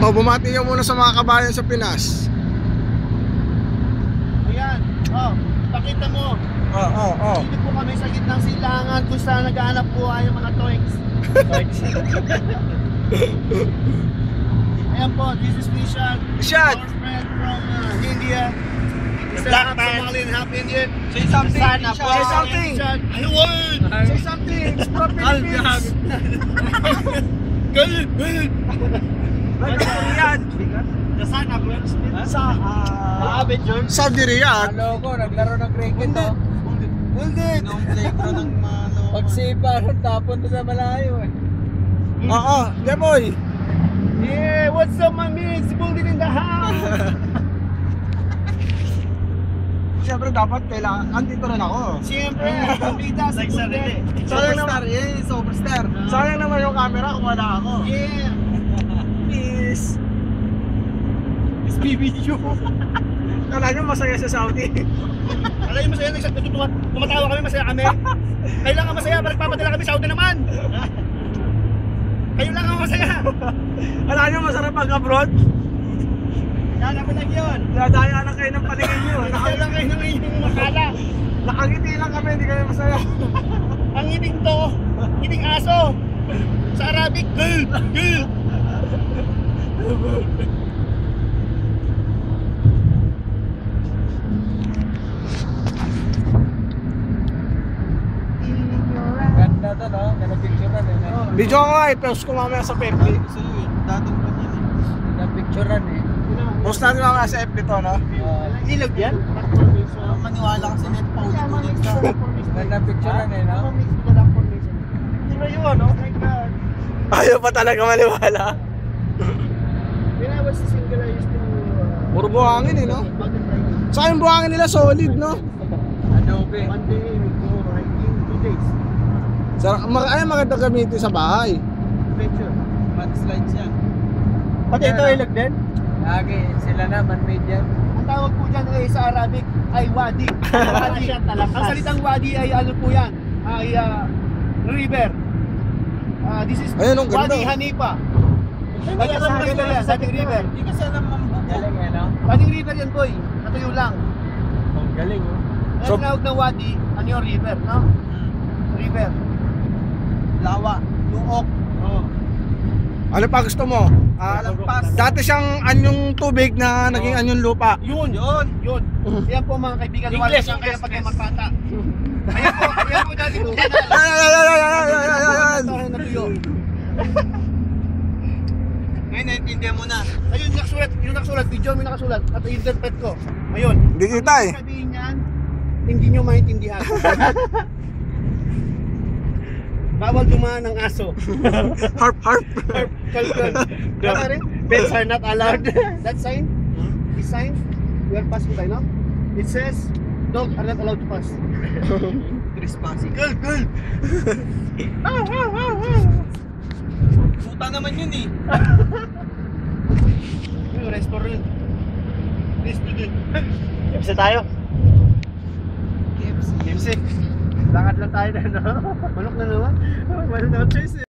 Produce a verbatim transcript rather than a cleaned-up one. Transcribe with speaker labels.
Speaker 1: O, bumati ka muna sa mga kabayan sa Pinas.
Speaker 2: Ayan, oh, pakita mo.
Speaker 1: Oo, oo, oo.
Speaker 2: Dito po kami sa gitnang silangan kung saan naghahanap buhay yung mga toys. Toys. Ayan po, this is Nishan.
Speaker 1: Nishan!
Speaker 2: Our friend from uh, India. He's a
Speaker 3: Black
Speaker 2: half
Speaker 3: man.
Speaker 2: Somalian, half Indian.
Speaker 3: Say something,
Speaker 2: Sana
Speaker 3: Nishan.
Speaker 2: po.
Speaker 1: Say something.
Speaker 2: Nishan. Ano word?
Speaker 1: Say something. It's from Philippines.
Speaker 2: Galit, galit.
Speaker 1: Riyadh.
Speaker 3: Sana bro.
Speaker 1: Sa, ah...
Speaker 2: Maabit yun.
Speaker 1: Saudi Riyadh.
Speaker 3: Ano ko, naglaro ng cricket to.
Speaker 2: Hindi.
Speaker 3: Nung playground ng ano.
Speaker 2: Pagsipa, tapon to sa malayo eh.
Speaker 1: Oo, yeah boy.
Speaker 2: Yeah, what's up my mates? Building in the house.
Speaker 1: Siyempre dapat kailangan, andito rin ako.
Speaker 2: Siyempre, pambida sa sarili.
Speaker 1: Sayang naman,
Speaker 3: eh, superstar.
Speaker 1: sayang naman yung camera kung wala ako.
Speaker 2: Yeah.
Speaker 1: Peace.
Speaker 2: It's B B Q.
Speaker 1: Kala nyo masaya sa Saudi.
Speaker 2: Alam niyo masaya, nagsastutuwa. Tumatawa kami, masaya kami. Kailangan masaya, balik papadala kami Saudi naman. Kayo lang ang masaya.
Speaker 1: Kala nyo masarap pag-abroad?
Speaker 2: Kala ko lang yun.
Speaker 1: Dadaya lang kayo ng paningin nyo.
Speaker 2: Kaya lang kayo ng inyong makala.
Speaker 1: Nakangiti lang kami, hindi kami masaya.
Speaker 2: Ang ngiting to, ngiting aso. Sa Arabic, gul, gul.
Speaker 3: Ganda to no? Ganda picture na eh.
Speaker 1: Video ko nga, i-post ko mamaya sa F B.
Speaker 3: Gusto nyo yun. Datong pa yun eh. Ganda picture na eh.
Speaker 1: Post natin mamaya sa F B to, no?
Speaker 2: Ilog yan?
Speaker 3: Ang maniwala kasi net paulit-ulit ka. Ganda picture na eh no?
Speaker 2: Sino yun? Oh my God.
Speaker 1: Ayaw pa talaga maniwala.
Speaker 2: When I was single, I used to... Uh,
Speaker 1: Puro buhangin eh, no?
Speaker 2: mountain biking.
Speaker 1: Saka yung buhangin nila solid, no?
Speaker 3: Adobe.
Speaker 2: One day, we go hiking, two days.
Speaker 1: Sa, mag, ay, maganda gamitin sa bahay.
Speaker 2: Adventure.
Speaker 3: Mudslides yan.
Speaker 2: Pati ito ilog din?
Speaker 3: Lagi, sila na, man-made yan.
Speaker 2: Ang tawag po dyan ay sa Arabic ay wadi. Wadi. Ang salitang wadi ay ano po yan? Ay uh, river. Uh, this is
Speaker 1: Ayun, ang ganda.
Speaker 2: Wadi Hanipa. Dating river yan, dating river.
Speaker 3: Hindi kasi alam mambubo. Galing eh no?
Speaker 2: Dating river yan boy, natuyo lang.
Speaker 3: Ang galing oh.
Speaker 2: Kaya
Speaker 1: So-
Speaker 2: tinawag ng wadi, ano yung river, no? River.
Speaker 3: Lawa, luok.
Speaker 2: Oh.
Speaker 1: Ano pa gusto mo? Ah,
Speaker 3: Lampas.
Speaker 1: dati siyang anyong tubig na naging anyong lupa.
Speaker 2: Yun, yun, yun. Yan po mga kaibigan,
Speaker 3: English,
Speaker 2: wala kaya
Speaker 3: English,
Speaker 2: pag
Speaker 3: English.
Speaker 2: magpata. Ayan po, ayan po dati po.
Speaker 1: Ay, ay, ay, ay, ay, ay, ay, ay, ay.
Speaker 2: Tahan na tuyo.
Speaker 3: Ngayon, naintindihan mo na.
Speaker 2: Ayun, nakasulat, yung nakasulat, video mo yung nakasulat, at interpret ko. Ngayon,
Speaker 1: Hindi kita eh.
Speaker 2: ang sabihin niyan, hindi nyo maintindihan. Bawal dumaan ng aso.
Speaker 1: Harp, harp.
Speaker 2: Kalkal. Tama rin? Pets are not allowed. That sign, this sign, we are passing by now. It says, dogs are not allowed to pass.
Speaker 3: Trespassing.
Speaker 2: Girl, girl. Ah, ah, ah, ah.
Speaker 3: Puta naman yun eh.
Speaker 2: Yung restaurant. Restaurant. K F C tayo.
Speaker 3: K F C.
Speaker 2: K F C. Lakad lang tayo na, no? Manok na naman. Manok na naman, Chase.